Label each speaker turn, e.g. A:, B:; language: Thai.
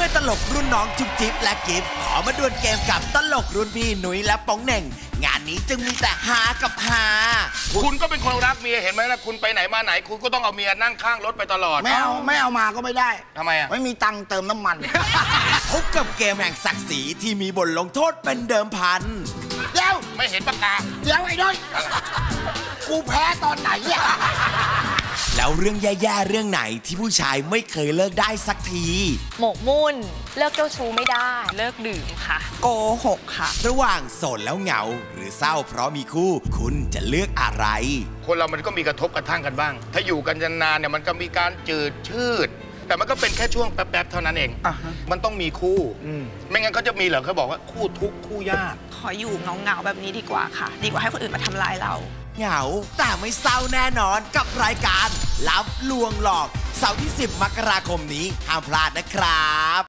A: มื่อตลกรุ่นน้องจุ๊บจิ๊บและกิฟขอมาดวลเกมกับตลกรุ่นพี่หนุ่ยและป๋องเหน่งงานนี้จึงมีแต่ฮากับฮา
B: คุณก็เป็นคนรักเมียเห็นไหมนะคุณไปไหนมาไหนคุณก็ต้องเอาเมียนั่งข้างรถไปตลอด
C: ไม่เอามาก็ไม่ได้
B: ทำไมอ่ะ
C: ไม่มีตังค์เติมน้ำมัน
A: พบกับเกมแห่งศักดิ์ศรีที่มีบทลงโทษเป็นเดิมพัน
C: เดี๋ยว
B: ไม่เห็นปากกา
C: เดี๋ยวไอ้ด้วยกูแพ้ตอนไหนเนี่ย
A: แล้วเรื่องแย่ๆเรื่องไหนที่ผู้ชายไม่เคยเลิกได้สักที
D: หมกมุ่นเลิกเจ้าชู้ไม่ได้เลิกดื่มค่ะโกหกค่ะ
A: ระหว่างโสดแล้วเหงาหรือเศร้าเพราะมีคู่คุณจะเลือกอะไร
B: คนเรามันก็มีกระทบกระทั่งกันบ้างถ้าอยู่กันนานๆเนี่ยมันก็มีการจืดชืดแต่มันก็เป็นแค่ช่วงแป๊บๆเท่านั้นเองมันต้องมีคู่ไม่งั้นเขาจะมีเหรอเขาบอกว่าคู่ทุกคู่ยาก
D: ขออยู่เงาๆแบบนี้ดีกว่าค่ะดีกว่าให้คนอื่นมาทำร้ายเรา
A: เหงาแต่ไม่เศร้าแน่นอนกับรายการลับลวงหลอกเสาร์ที่10 มกราคมนี้ห้ามพลาดนะครับ